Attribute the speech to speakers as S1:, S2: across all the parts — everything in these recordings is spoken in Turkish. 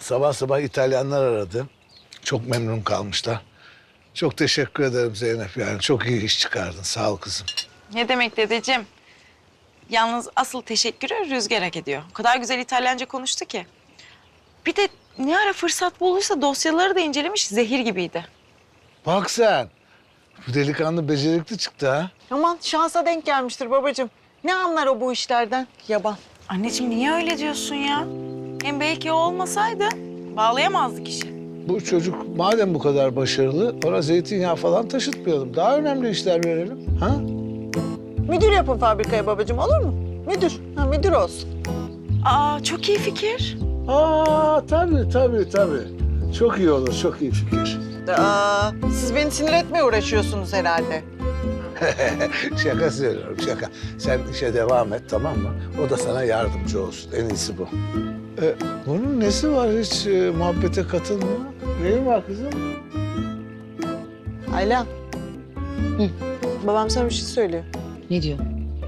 S1: Sabah sabah İtalyanlar aradı. Çok memnun kalmışlar. Çok teşekkür ederim Zeynep yani. Çok iyi iş çıkardın. Sağ ol kızım.
S2: Ne demek dedeciğim? Yalnız asıl teşekkürü Rüzgar hak ediyor. O kadar güzel İtalyanca konuştu ki. Bir de ne ara fırsat bulduysa dosyaları da incelemiş, zehir gibiydi.
S1: Bak sen. Bu delikanlı becerikli çıktı ha.
S3: Aman şansa denk gelmiştir babacığım. Ne anlar o bu işlerden? Yaban.
S2: Anneciğim niye öyle diyorsun ya? Hem belki o olmasaydı bağlayamazdık işi.
S1: Bu çocuk madem bu kadar başarılı ona zeytinyağı falan taşıtmayalım. Daha önemli işler verelim. Ha?
S3: Müdür yapın fabrikaya babacığım, olur mu? Müdür. Ha, müdür olsun.
S2: Aa çok iyi fikir.
S1: Tabii. Çok iyi olur, çok iyi fikir.
S3: Siz beni sinir etmeye uğraşıyorsunuz herhalde.
S1: Şaka söylüyorum, şaka. Sen işe devam et, tamam mı? O da sana yardımcı olsun. En iyisi bu. Bunun nesi var? Hiç muhabbete katılmıyor. Neyin var kızım?
S3: Ayla. Babam sana bir şey söylüyor.
S4: Ne diyor?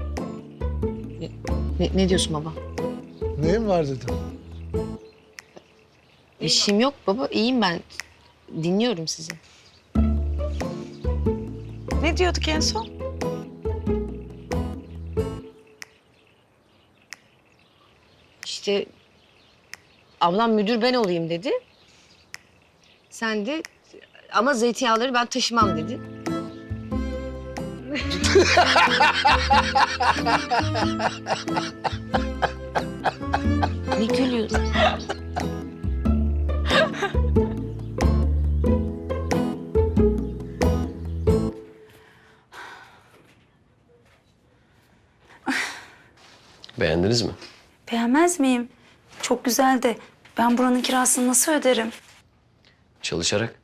S4: Ne diyorsun baba?
S1: Neyin var dedim.
S4: İşim yok baba. İyiyim ben. Dinliyorum sizi.
S2: Ne diyorduk en son?
S4: İşte ablam müdür ben olayım dedi. Sen de ama zeytinyağları ben taşımam dedi. Ne gülüyorsun?
S5: Beğendiniz mi?
S6: Beğenmez miyim? Çok güzel de ben buranın kirasını nasıl öderim?
S5: Çalışarak.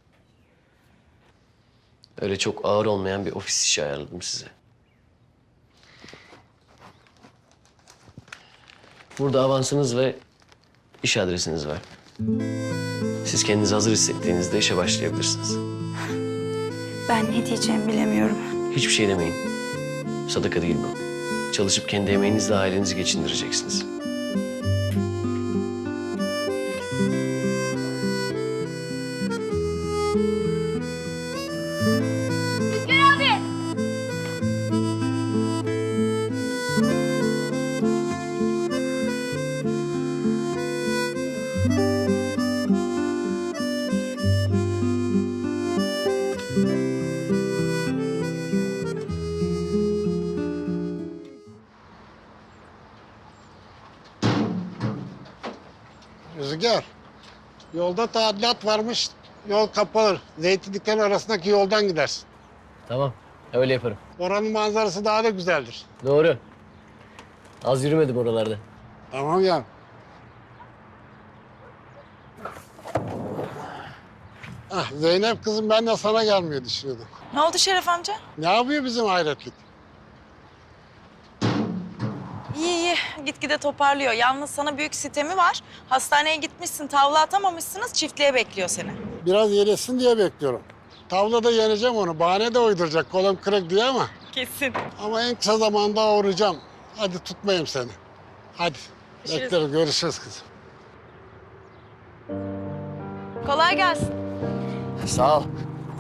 S5: Öyle çok ağır olmayan bir ofis işi ayarladım size. Burada avansınız ve iş adresiniz var. Siz kendinizi hazır hissettiğinizde işe başlayabilirsiniz.
S6: Ben ne diyeceğimi bilemiyorum.
S5: Hiçbir şey demeyin. Sadaka değil bu. Çalışıp kendi emeğinizle ailenizi geçindireceksiniz.
S7: Rüzgar, yolda tadilat varmış, yol kapalı. Zeytinliklerin arasındaki yoldan gidersin.
S5: Tamam, öyle yaparım.
S7: Oranın manzarası daha da güzeldir.
S5: Doğru. Az yürümedim oralarda.
S7: Tamam ya. Zeynep kızım ben de sana gelmeyi düşünüyordum.
S2: Ne oldu Şeref amca?
S7: Ne yapıyor bizim hayretlik?
S2: İyi. Gitgide toparlıyor. Yalnız sana büyük sitemi var. Hastaneye gitmişsin, tavla atamamışsınız. Çiftliğe bekliyor seni.
S7: Biraz iyileşsin diye bekliyorum. Tavlada yeneceğim onu. Bahane de uyduracak kolum kırık diye ama.
S2: Kesin.
S7: Ama en kısa zamanda uğrayacağım. Hadi tutmayayım seni. Hadi.
S2: Görüşürüz.
S7: Beklerim. Görüşürüz kızım.
S2: Kolay gelsin.
S5: Sağ ol.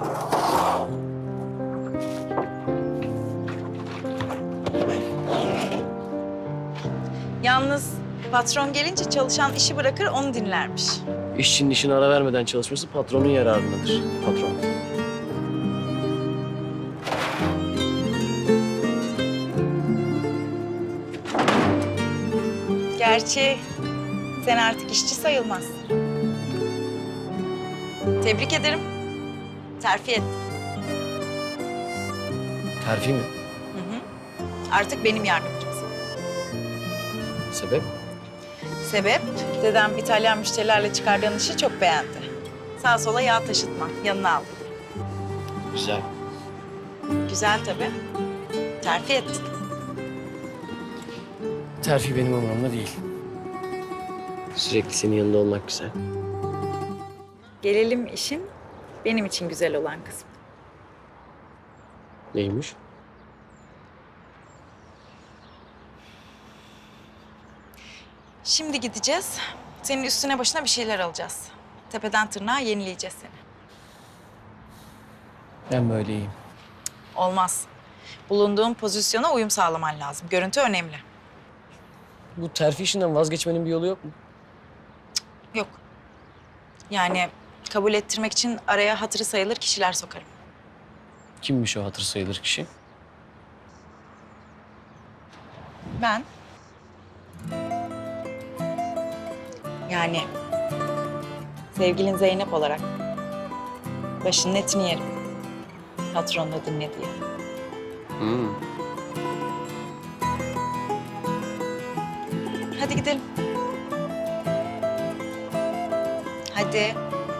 S2: Yalnız patron gelince çalışan işi bırakır, onu dinlermiş.
S5: İşçinin işine ara vermeden çalışması patronun yararınadır. Patron.
S2: Gerçi sen artık işçi sayılmazsın. Tebrik ederim. Terfi et.
S5: Terfi mi?
S2: Artık benim yardımcımsın.
S5: Sebep?
S2: Sebep, dedem İtalyan müşterilerle çıkardığın işi çok beğendi. Sağa sola yağ taşıtma, yanına aldı.
S5: Güzel.
S2: Güzel tabii. Terfi et.
S5: Terfi benim umurumda değil. Sürekli senin yanında olmak güzel.
S2: Gelelim işin benim için güzel olan kısmı.
S5: Neymiş?
S2: Şimdi gideceğiz. Senin üstüne başına bir şeyler alacağız. Tepeden tırnağa yenileyeceğiz seni.
S5: Ben böyle iyiyim.
S2: Olmaz. Bulunduğun pozisyona uyum sağlaman lazım. Görüntü önemli.
S5: Bu terfi işinden vazgeçmenin bir yolu yok mu?
S2: Yok. Yani kabul ettirmek için araya hatırı sayılır kişiler sokarım.
S5: Kimmiş o hatır sayılır kişi?
S2: Ben. Yani sevgilin Zeynep olarak başının etini yerim. Patronla dinle diye. Hadi gidelim. Hadi.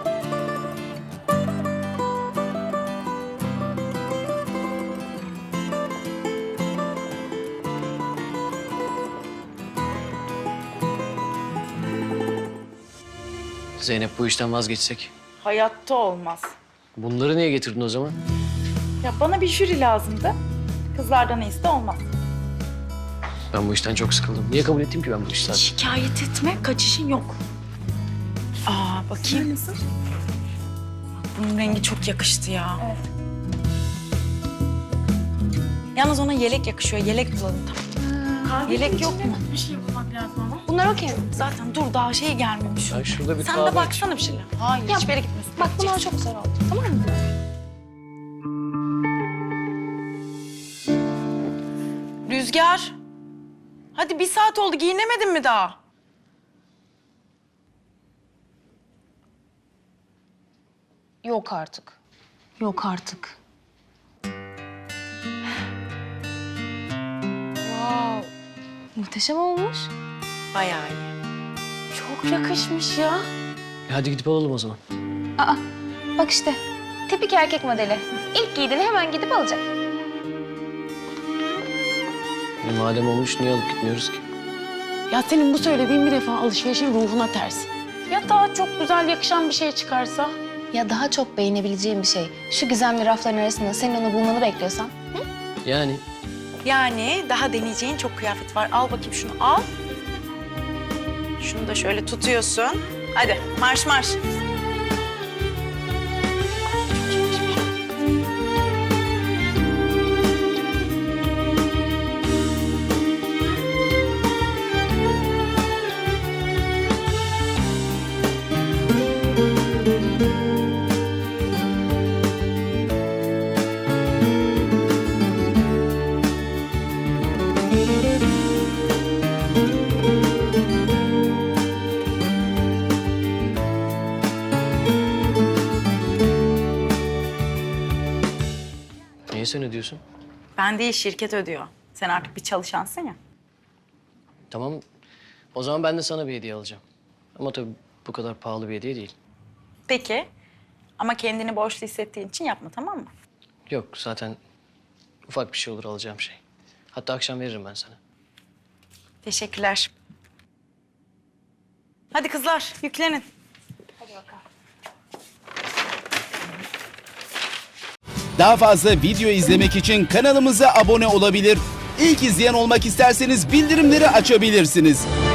S5: Zeynep bu işten vazgeçsek.
S2: Hayatta olmaz.
S5: Bunları niye getirdin o zaman?
S2: Ya bana bir jüri lazımdı. Kızlardan iyisi de olmaz.
S5: Ben bu işten çok sıkıldım. Niye kabul ettim ki ben bu işi zaten?
S2: Şikayet etme, kaçışın yok. Bakayım. Bak, bunun rengi çok yakıştı ya. Evet. Yalnız ona yelek yakışıyor. Yelek bulalım tamam. Yelek yok mu?
S6: Bir şey yapmak lazım ama.
S4: Bunlar okey.
S2: Zaten dur daha şey gelmemiş.
S5: Ben şurada bir
S2: Sen
S5: kahve
S2: de baksana bir şeyler. Hayır
S4: Ya,
S2: hiçbir yere gitmesin.
S4: Bak bunlar çok güzel oldu. Tamam mı?
S2: Rüzgar. Hadi 1 saat oldu giyinemedin mi daha?
S4: Yok artık. Yok artık. Wow. Muhteşem olmuş.
S2: Bayağı iyi.
S4: Çok yakışmış ya.
S5: Hadi gidip alalım o zaman.
S8: Aa, bak işte. Tipik erkek modeli. İlk giydiğini hemen gidip alacak.
S5: Madem olmuş niye alıp gitmiyoruz ki?
S9: Ya senin bu söylediğin bir defa alışverişin ruhuna ters. Ya daha çok güzel yakışan bir şey çıkarsa?
S8: Ya daha çok beğenebileceğin bir şey. Şu gizemli rafların arasında senin onu bulmanı bekliyorsan.
S5: Yani
S2: Yani daha deneyeceğin çok kıyafet var. Al bakayım şunu al. Şunu da şöyle tutuyorsun. Hadi marş marş.
S5: niye sen ödüyorsun?
S2: Ben değil şirket ödüyor. Sen artık bir çalışansın ya.
S5: Tamam. O zaman ben de sana bir hediye alacağım. Ama tabii bu kadar pahalı bir hediye değil.
S2: Peki. Ama kendini borçlu hissettiğin için yapma tamam mı?
S5: Yok zaten ufak bir şey olur alacağım şey. Hatta akşam veririm ben sana.
S2: Teşekkürler. Hadi kızlar yüklenin.
S10: Daha fazla video izlemek için kanalımıza abone olabilir. İlk izleyen olmak isterseniz bildirimleri açabilirsiniz.